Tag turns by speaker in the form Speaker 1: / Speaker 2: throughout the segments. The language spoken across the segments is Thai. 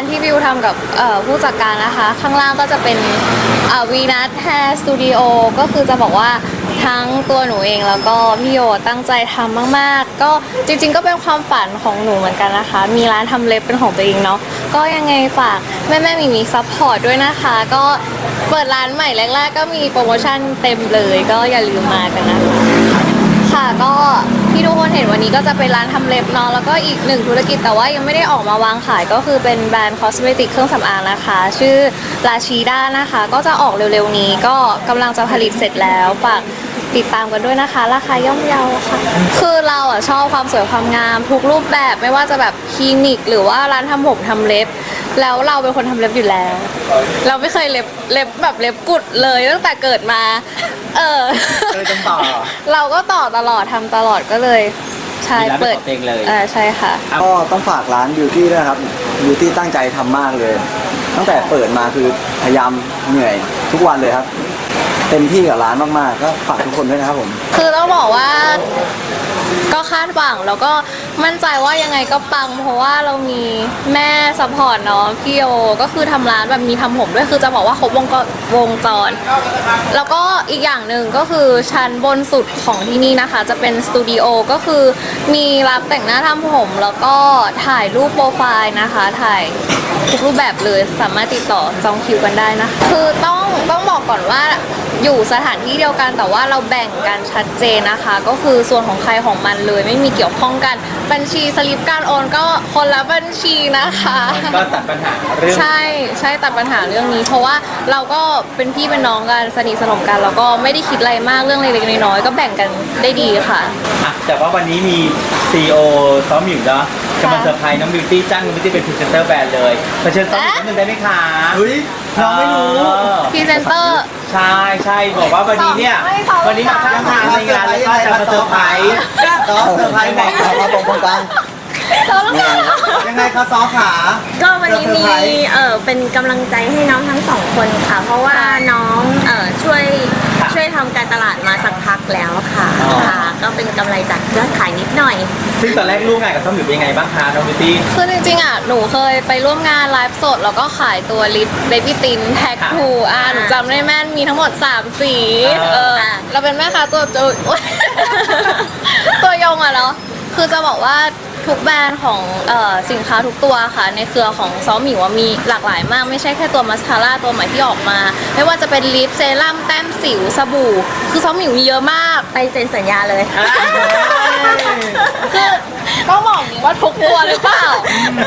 Speaker 1: ที่วิวทำกับผู้จัดการนะคะข้างล่างก็จะเป็นวีนัทแฮร์สตูดิโอก็คือจะบอกว่าทั้งตัวหนูเองแล้วก็พี่โยตั้งใจทำมากๆก็จริงๆก็เป็นความฝันของหนูเหมือนกันนะคะมีร้านทำเล็บเป็นของตัวเองเนาะก็ยังไงฝากแม่มีซัพพอร์ตด้วยนะคะก็เปิดร้านใหม่แรกๆก็มีโปรโมชั่นเต็มเลยก็อย่าลืมมากันนะคะค่ะก็ที่ทุกคนเห็นวันนี้ก็จะเป็นร้านทำเล็บเนาะแล้วก็อีกหนึ่งธุรกิจแต่ว่ายังไม่ได้ออกมาวางขายก็คือเป็นแบรนด์คอสเมติกเครื่องสำอางนะคะชื่อลาชีด้านะคะก็จะออกเร็วๆนี้ก็กำลังจะผลิตเสร็จแล้วฝากติดตามกันด้วยนะคะราคาย่อมเยาค่ะคือเราชอบความสวยความงามทุกรูปแบบไม่ว่าจะแบบคลินิกหรือว่าร้านทำผมทำเล็บแล้วเราเป็นคนทำเล็บอยู่แล้วเราไม่เคยเล็บแบบเล็บกุดเลยตั้งแต่เกิดมา
Speaker 2: เลยต้องต่อ
Speaker 1: เราก็ต่อตลอดทำตลอดก็เลยใช่เปิด
Speaker 2: เองเลย
Speaker 1: ใช่ค่ะ
Speaker 3: ก็ต้องฝากร้านบิวตี้ด้วยครับบิวตี้ตั้งใจทำมากเลย ตั้งแต่เปิดมาคือพยายามเหนื่อยทุกวันเลยครับเต็มที่กับร้านมากๆก็ฝากทุกคนด้วยนะครับผม
Speaker 1: คือต้องบอกว่าก็คาดหวังแล้วก็มั่นใจว่ายังไงก็ปังเพราะว่าเรามีแม่ซัพพอร์ตเนาะพี่โยก็คือทำร้านแบบมีทำผมด้วยคือจะบอกว่าครบวงจรแล้วก็อีกอย่างหนึ่งก็คือชั้นบนสุดของที่นี่นะคะจะเป็นสตูดิโอก็คือมีรับแต่งหน้าทำผมแล้วก็ถ่ายรูปโปรไฟล์นะคะถ่ายทุกรูปแบบเลยสามารถติดต่อจองคิวกันได้นะคะคือต้องบอกก่อนว่าอยู่สถานที่เดียวกันแต่ว่าเราแบ่งกันชัดเจนนะคะก็คือส่วนของใครของมันเลยไม่มีเกี่ยวข้องกันบัญชีสลิปการโอนก็คนละบัญชีนะคะ
Speaker 2: ก็ตัดปัญหาเรื่อง
Speaker 1: ใช่ตัดปัญหาเรื่องนี้เพราะว่าเราก็เป็นพี่เป็นน้องกันสนิทสนมกันแล้วก็ไม่ได้คิดอะไรมากเรื่องเล็กๆน้อยๆก็แบ่งกันได้ดีค่ะ
Speaker 2: แต่ว่าวันนี้มี CEO ซ้อมอยู่เนาะจะมาเซอร์ไพรส์น้องบิวตี้จ้างน้องบิวตี้เป็นพรีเซนเตอร์แบรนด์เลยมาเชิญซ้อมอีกนิดนึงได้ไหมคะ
Speaker 3: เฮ้ยน้องไม่รู้
Speaker 1: พรีเซนเตอร์
Speaker 2: ใช่บอกว่าวันนี้เนี่ยวันนี้มาข้างทางในงานแล้วก็จะมาเซอร์ไพรส์
Speaker 3: ซ้อมเซอร์ไพรส์ไหนมาตรงกลางยังไงคะซ้อขา
Speaker 4: ก็วันนี้มีเป็นกำลังใจให้น้องทั้งสองคนค่ะเพราะว่าน้องช่วยทำการตลาดมาสักพักแล้วค่ะก็เป็นกำไรจากยอดขายนิดหน่อย
Speaker 2: ซึ่งตอนแรกร่วมงานกับซ้อมอยู่เป็นยังไงบ้างคะน้องบิวตี้
Speaker 1: คือจริงๆหนูเคยไปร่วมงานไลฟ์สดแล้วก็ขายตัวลิปเบบี้ตินแท็กทูหนูจำได้แม่นมีทั้งหมด3สีเราเป็นแม่ค้าตัวยงเนาะคือจะบอกว่าทุกแบรนด์ของสินค้าทุกตัวค่ะในเครือของซ้อมหมิวมีหลากหลายมากไม่ใช่แค่ตัวมัสคาร่าตัวใหม่ที่ออกมาไม่ว่าจะเป็นลิปเซรั่มแต้มสิวสบู่คือซ้อมหมิวมีเยอะมาก
Speaker 4: ไปเซ็นสัญญาเลย
Speaker 1: คือต้องบอกนี้ว่าทุกตัวหรือเปล่า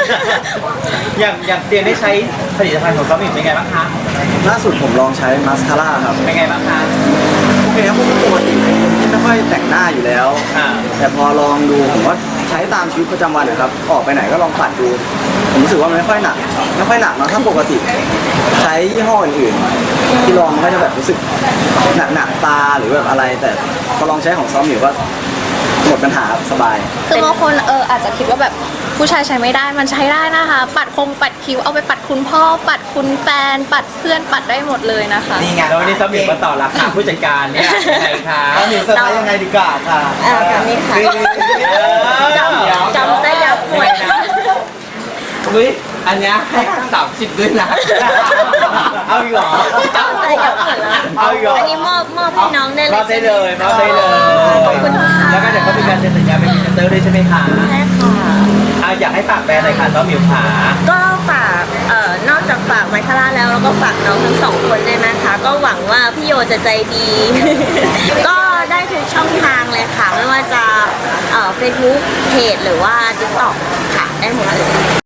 Speaker 2: อย่างเตียนได้ใช้ผลิตภัณฑ์ของซ้อมหมิวเป็นไงบ้างคะ
Speaker 3: ล่าสุดผมลองใช้มัสคาร่าครับ
Speaker 2: เป็นไงบ้างคะ
Speaker 3: โอเคครับผมปกติเป็นคนที่ไม่ค่อยแต่งหน้าอยู่แล้วแต่พอลองดูผมว่าใช้ตามชีวิตประจำวันนะครับออกไปไหนก็ลองปัดดูผมรู้สึกว่ามันไม่ค่อยหนักเนาะถ้าปกติใช้ยี่ห้ออื่นๆที่ลองมันก็จะแบบรู้สึกหนักตาหรือแบบอะไรแต่พอลองใช้ของซ้อมอยู่ก็หมดปัญหาสบาย
Speaker 1: คือบางคนอาจจะคิดว่าแบบผู้ชายใช้ไม่ได้มันใช้ได้นะคะปัดคิ้วเอาไปปัดคุณพ่อปัดคุณแฟนปัดเพื่อนปัดได้หมดเลยนะคะ
Speaker 2: นี่ไงแล้ววันนี้ซ้อมหมิวมาต่อราคาผู้จัดการเนี่ยยังไงคะ
Speaker 3: ซ้อมหมิวเซอร์ไพรส์ยังไงดีกว่าค่ะ
Speaker 4: แบบนี้ค่ะจำได้ยับหมดนะ
Speaker 2: อันนี้ให้30ด้วยนะเอาอีกเหรอ
Speaker 4: จำได้ยับหมดแล้ว
Speaker 2: เอาอีกเหรอ
Speaker 4: อันนี้มอบให้น้องได้เลย
Speaker 2: มอบได้เลย
Speaker 4: ขอบคุณค่ะ
Speaker 2: แล้วก็เดี๋ยวก็มีการเซ็นสัญญาเป็นพรีเซนเตอร์ด้วยใช่ไหมคะ
Speaker 4: ใช่ค่ะ
Speaker 2: อยากให้ฝากแบรนด์อะไรคะซ้อมหมิวขา
Speaker 4: ก็ฝากนอกจากฝากไมคาร่าแล้วก็ฝากน้องทั้งสองคนด้วยนะคะก็หวังว่าพี่โยจะใจดี ก็ได้ทุกช่องทางเลยค่ะไม่ว่าจะFacebook เพจหรือว่า TikTok ค่ะได้หมดเลย